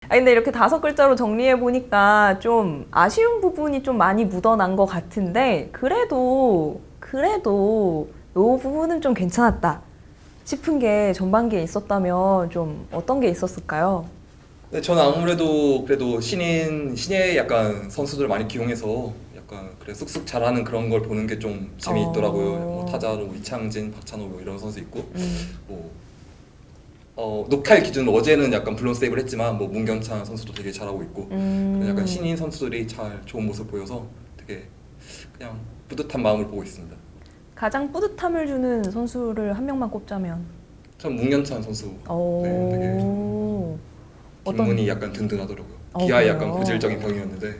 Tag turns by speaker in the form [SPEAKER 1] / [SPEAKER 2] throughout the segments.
[SPEAKER 1] 아 근데 이렇게 5글자로 정리해 보니까 좀 아쉬운 부분이 좀 많이 묻어난 것 같은데 그래도 이 부분은 좀 괜찮았다 싶은 게 전반기에 있었다면 좀 어떤 게 있었을까요?
[SPEAKER 2] 네, 저는 아무래도 그래도 신예 약간 선수들 많이 기용해서 약간 그래 쑥쑥 잘하는 그런 걸 보는 게 좀 재미있더라고요. 뭐 타자로 이창진, 박찬호 뭐 이런 선수 있고 뭐 녹화일 기준으로 어제는 약간 블론 세이브를 했지만 뭐 문경찬 선수도 되게 잘하고 있고 그런 약간 신인 선수들이 잘 좋은 모습 보여서 되게 그냥 뿌듯한 마음을 보고 있습니다.
[SPEAKER 1] 가장 뿌듯함을 주는 선수를 한 명만 꼽자면
[SPEAKER 2] 전 문경찬 선수 네, 되게 뒷문이 약간 든든하더라고요. 기아의 약간
[SPEAKER 1] 그래요?
[SPEAKER 2] 고질적인 병이었는데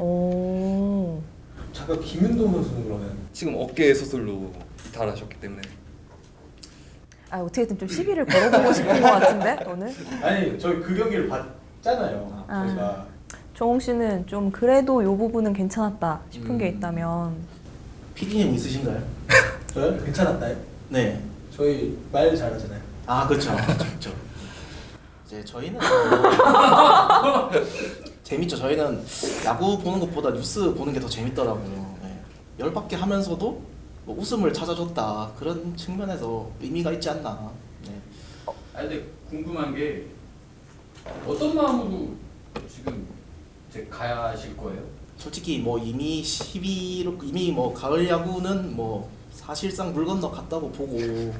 [SPEAKER 3] 잠깐 김윤동 선수는 그러면
[SPEAKER 2] 지금 어깨 수술로 이탈하셨기 때문에
[SPEAKER 1] 아 어떻게든 좀 시비를 걸어보고 싶은 것 같은데 오늘
[SPEAKER 3] 아니 저희 그 경기를 봤잖아요. 저희가
[SPEAKER 1] 정홍 씨는 좀 그래도 이 부분은 괜찮았다 싶은 게 있다면
[SPEAKER 4] PD님 있으신가요?
[SPEAKER 3] 저요? 괜찮았나요?
[SPEAKER 4] 네.
[SPEAKER 3] 저희 말 잘하잖아요.
[SPEAKER 4] 아 그렇죠. 그렇죠. 이제 저희는 재밌죠. 저희는 야구 보는 것보다 뉴스 보는 게 더 재밌더라고요. 네. 열받게 하면서도 뭐 웃음을 찾아줬다 그런 측면에서 의미가 있지 않나. 네.
[SPEAKER 5] 아 근데 궁금한 게 어떤 마음으로 지금 이제 가실 거예요?
[SPEAKER 4] 솔직히 뭐 이미 12로 이미 뭐 가을 야구는 뭐 사실상 물 건너 갔다고 보고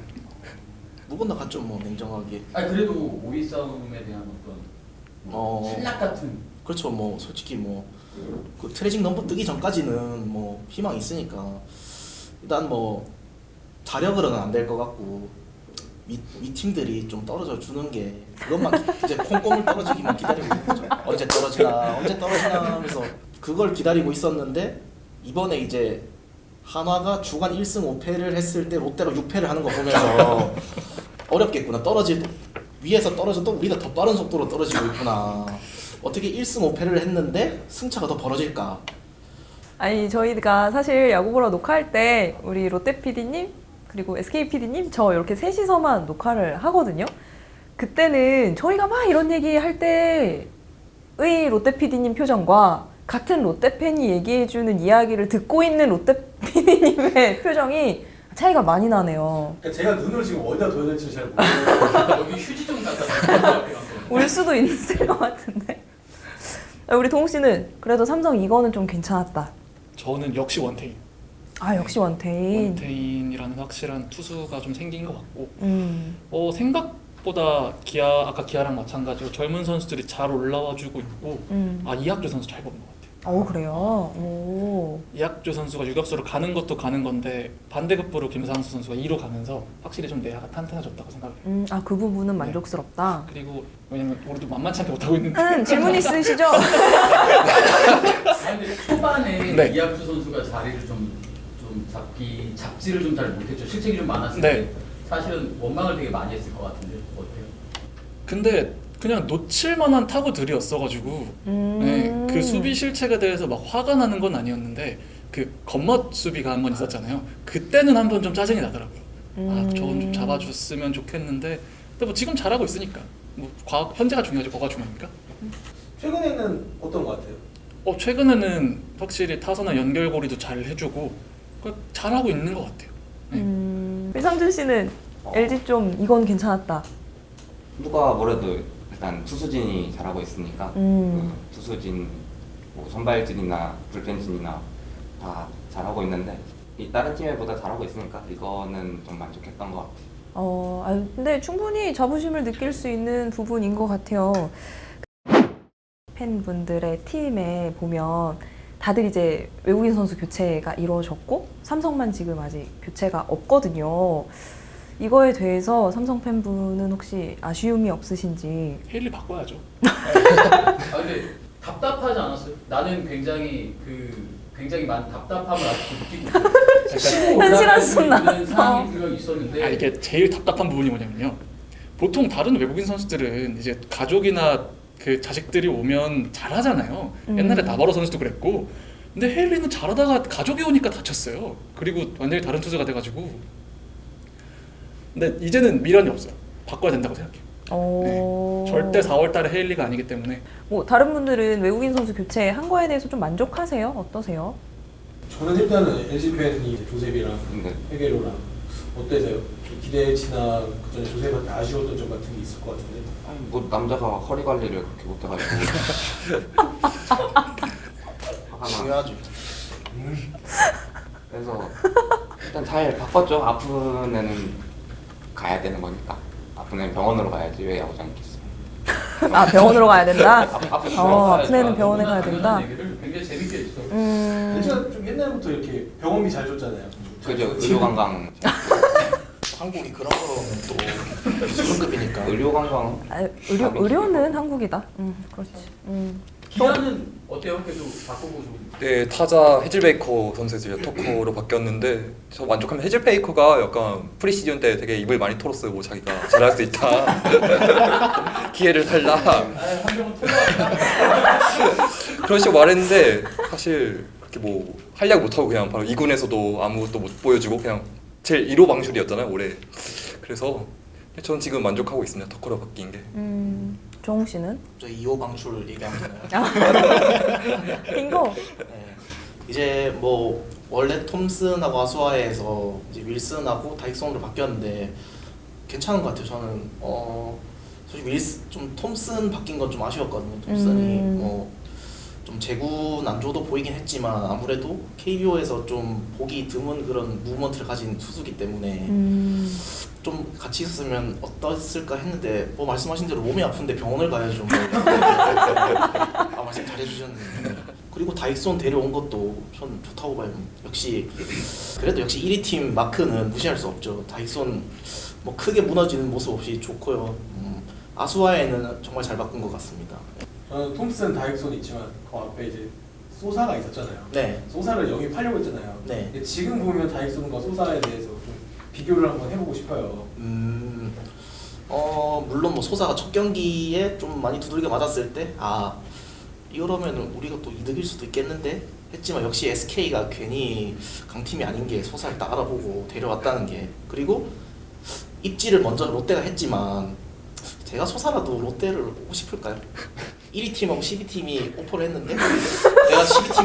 [SPEAKER 4] 물 건너 갔죠 뭐 냉정하게.
[SPEAKER 5] 아 그래도 5위 싸움에 대한 어떤 뭐 신락 같은
[SPEAKER 4] 그렇죠. 뭐 솔직히 뭐 그 트레징 넘버 뜨기 전까지는 뭐 희망이 있으니까 일단 뭐 자력으로는 안 될 것 같고 위 팀들이 좀 떨어져 주는 게 그것만 이제 콩고물 떨어지기만 기다리고 있는 거죠. 언제 떨어지나 하면서 그걸 기다리고 있었는데 이번에 이제 한화가 주간 1승 5패를 했을 때 롯데가 6패를 하는 거 보면서 어렵겠구나. 위에서 떨어져도 우리가 더 빠른 속도로 떨어지고 있구나. 어떻게 1승 5패를 했는데 승차가 더 벌어질까?
[SPEAKER 1] 아니 저희가 사실 야구 보러 녹화할 때 우리 롯데 PD님 그리고 SK PD님 저 이렇게 셋이서만 녹화를 하거든요. 그때는 저희가 막 이런 얘기 할 때의 롯데 PD님 표정과 같은 롯데 팬이 얘기해주는 이야기를 듣고 있는 롯데 PD님의 표정이 차이가 많이 나네요.
[SPEAKER 3] 그러니까 제가 눈을 지금 어디다 둬야 될지 잘 모르겠어요.
[SPEAKER 5] 여기 휴지 좀 갖다
[SPEAKER 1] 올 수도 있을 것 같은데. 우리 동욱 씨는 그래도 삼성 이거는 좀 괜찮았다.
[SPEAKER 6] 저는 역시 원태인.
[SPEAKER 1] 아 역시 원태인.
[SPEAKER 6] 원태인이라는 확실한 투수가 좀 생긴 것 같고 생각보다 아까 기아랑 마찬가지로 젊은 선수들이 잘 올라와주고 있고 이학주 선수 잘 뽑는 것 같아요.
[SPEAKER 1] 그래요? 오.
[SPEAKER 6] 이학주 선수가 유격수로 가는 것도 가는 건데 반대급부로 김상수 선수가 2로 가면서 확실히 좀 내야가 탄탄해졌다고 생각해요.
[SPEAKER 1] 그 부분은 만족스럽다.
[SPEAKER 6] 그리고 왜냐면 우리도 만만치 않게 못하고 있는데
[SPEAKER 1] 질문 있으시죠?
[SPEAKER 5] 아니 근데 초반에
[SPEAKER 6] 네.
[SPEAKER 5] 이학주 선수가 자리를 좀 잡지를 좀 잘 못했죠. 실책이 좀 많았을
[SPEAKER 6] 네.
[SPEAKER 5] 때 사실은 원망을 되게 많이 했을 것 같은데 어때요?
[SPEAKER 6] 근데 그냥 놓칠 만한 타구들이었어가지고 그 수비 실책에 대해서 막 화가 나는 건 아니었는데 그 겉멋 수비가 한 번 있었잖아요. 그때는 한번 좀 짜증이 나더라고요. 저건 좀 잡아줬으면 좋겠는데 근데 뭐 지금 잘하고 있으니까 뭐 현재가 중요하지 뭐가 중요합니까?
[SPEAKER 3] 최근에는 어떤 것 같아요?
[SPEAKER 6] 최근에는 확실히 타선의 연결고리도 잘 해주고 잘하고 있는 것 같아요.
[SPEAKER 1] 이상준 씨는 LG 좀 이건 괜찮았다.
[SPEAKER 7] 누가 뭐래도 일단 투수진이 잘하고 있으니까 그 투수진, 뭐 선발진이나 불펜진이나 다 잘하고 있는데 다른 팀보다 잘하고 있으니까 이거는 좀 만족했던 것 같아요.
[SPEAKER 1] 근데 충분히 자부심을 느낄 수 있는 부분인 것 같아요. 팬분들의 팀에 보면 다들 이제 외국인 선수 교체가 이루어졌고 삼성만 지금 아직 교체가 없거든요. 이거에 대해서 삼성 팬분은 혹시 아쉬움이 없으신지.
[SPEAKER 6] 헤일리 바꿔야죠.
[SPEAKER 5] 근데 답답하지 않았어요? 나는 굉장히 많은 답답함을 아직도 느끼고 있어요.
[SPEAKER 1] 현실한 순 나왔어.
[SPEAKER 5] 상황이 있었는데
[SPEAKER 6] 이게 제일 답답한 부분이 뭐냐면요. 보통 다른 외국인 선수들은 이제 가족이나 그 자식들이 오면 잘하잖아요. 옛날에 나바로 선수도 그랬고. 근데 헤일리는 잘하다가 가족이 오니까 다쳤어요. 그리고 완전히 다른 투수가 돼가지고. 근데 이제는 미련이 없어요. 바꿔야 된다고 생각해요. 절대 4월달에 헤일리가 아니기 때문에.
[SPEAKER 1] 뭐 다른 분들은 외국인 선수 교체한 거에 대해서 좀 만족하세요? 어떠세요?
[SPEAKER 3] 저는 일단은 LG 팬이 조셉이랑
[SPEAKER 7] 네.
[SPEAKER 3] 헤게로랑 어때세요? 좀 기대치나 그 전에 조셉한테 아쉬웠던 점 같은 게 있을 것 같은데.
[SPEAKER 7] 아니 뭐 남자가 허리 관리를 그렇게 못해가지고 화가 나.
[SPEAKER 4] 중요하죠.
[SPEAKER 7] 그래서 일단 잘 바꿨죠. 아픈 애는 가야 되는 거니까. 아픈 애는 병원으로 가야지 왜 야구장 있겠어.
[SPEAKER 1] 아 병원으로 가야 된다?
[SPEAKER 7] 아픈
[SPEAKER 1] 아픈 애는 병원에 가야
[SPEAKER 5] 이런
[SPEAKER 1] 된다?
[SPEAKER 5] 얘기를 굉장히 재밌게 했어.
[SPEAKER 3] LG가 좀 옛날부터 이렇게 병원비 잘 줬잖아요.
[SPEAKER 7] 그죠. 의료관광.
[SPEAKER 4] 한국이 그런 거는 또 수준급이니까.
[SPEAKER 7] 의료관광.
[SPEAKER 1] 아, 의료는 한국이다. 그렇지.
[SPEAKER 5] 기아는 어때요? 계속 바꾸고 좀.
[SPEAKER 2] 네, 타자 헤즐베이커 선수 이제 토커로 바뀌었는데 저 만족하면 헤즐베이커가 약간 프리시즌 때 되게 입을 많이 털었어요. 뭐 자기가 잘할 수 있다. 기회를 달라.
[SPEAKER 5] 한 명은 통과한다.
[SPEAKER 2] 그런 식으로 말했는데 사실 그렇게 뭐 활약 못하고 그냥 바로 2군에서도 아무것도 못 보여주고 그냥 제일 1호 방출이었잖아요 올해. 그래서 저는 지금 만족하고 있습니다. 터커로 바뀐 게.
[SPEAKER 1] 정웅 씨는?
[SPEAKER 4] 저 2호 방출 얘기하면 되나요?
[SPEAKER 1] 빙고.
[SPEAKER 4] 네. 이제 뭐 원래 톰슨하고 아수아에서 이제 윌슨하고 다익손으로 바뀌었는데 괜찮은 것 같아요. 저는 솔직히 좀 톰슨 바뀐 건 좀 아쉬웠거든요. 톰슨이 좀 재구 난조도 보이긴 했지만 아무래도 KBO에서 좀 보기 드문 그런 무브먼트를 가진 투수기 때문에 좀 같이 있었으면 어땠을까 했는데 뭐 말씀하신 대로 몸이 아픈데 병원을 가야죠. 뭐. 아 말씀 잘해주셨는데 그리고 다익손 데려온 것도 전 좋다고 봐요. 그래도 역시 1위 팀 마크는 무시할 수 없죠. 다익손 뭐 크게 무너지는 모습 없이 좋고요. 아수아에는 정말 잘 바꾼 것 같습니다.
[SPEAKER 3] 저는 톰슨, 다익손 있지만 그 앞에 이제 소사가 있었잖아요.
[SPEAKER 4] 네.
[SPEAKER 3] 소사를 영입하려고 했잖아요.
[SPEAKER 4] 네.
[SPEAKER 3] 근데 지금 보면 다익손과 소사에 대해서 좀 비교를 한번 해보고 싶어요.
[SPEAKER 4] 물론 뭐 소사가 첫 경기에 좀 많이 두들겨 맞았을 때 이러면은 우리가 또 이득일 수도 있겠는데 했지만 역시 SK가 괜히 강팀이 아닌 게 소사를 딱 알아보고 데려왔다는 게 그리고 입지를 먼저 롯데가 했지만 제가 소사라도 롯데를 오고 싶을까요? 1위 팀하고 12팀이 오퍼를 했는데 내가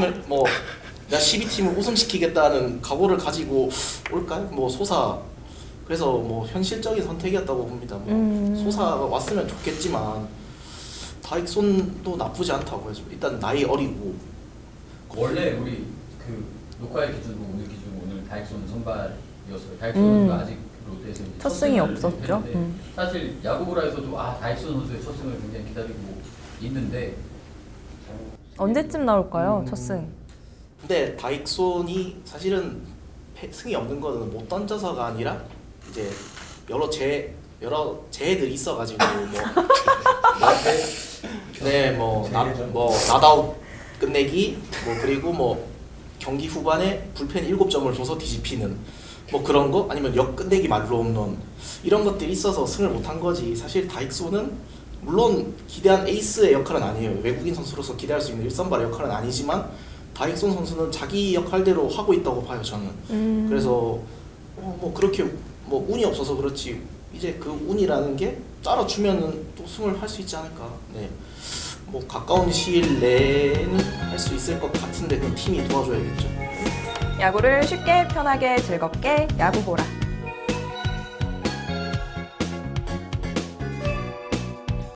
[SPEAKER 4] 12팀을 우승시키겠다는 각오를 가지고 올까요? 뭐 소사 그래서 뭐 현실적인 선택이었다고 봅니다. 뭐 소사가 왔으면 좋겠지만 다익손도 나쁘지 않다고 해서 일단 나이 어리고
[SPEAKER 5] 원래 우리 그 녹화의 기준으로 오늘 기준으로 오늘 다익손 선발이었어요. 다익손 아직 롯데에서 이제
[SPEAKER 1] 첫 승이 없었죠.
[SPEAKER 5] 했는데 사실 야구보라에서도 다익손 선수의 첫 승을 굉장히 기다리고 있는데
[SPEAKER 1] 언제쯤 나올까요? 첫 승.
[SPEAKER 4] 근데 다익손이 사실은 승이 없는 거는 못 던져서가 아니라 이제 여러 재해들이 있어가지고 뭐 나다웃 끝내기 뭐 그리고 뭐 경기 후반에 불펜 7점을 줘서 뒤집히는 뭐 그런 거 아니면 역 끝내기 말로 홈런 이런 것들이 있어서 승을 못한 거지. 사실 다익손은 물론 기대한 에이스의 역할은 아니에요. 외국인 선수로서 기대할 수 있는 1선발의 역할은 아니지만 다익손 선수는 자기 역할대로 하고 있다고 봐요. 저는. 그래서 뭐 그렇게 뭐 운이 없어서 그렇지 이제 그 운이라는 게 따라주면은 또 승을 할 수 있지 않을까. 네. 뭐 가까운 시일 내에는 할 수 있을 것 같은데 그 팀이 도와줘야겠죠.
[SPEAKER 1] 야구를 쉽게 편하게 즐겁게 야구 보라.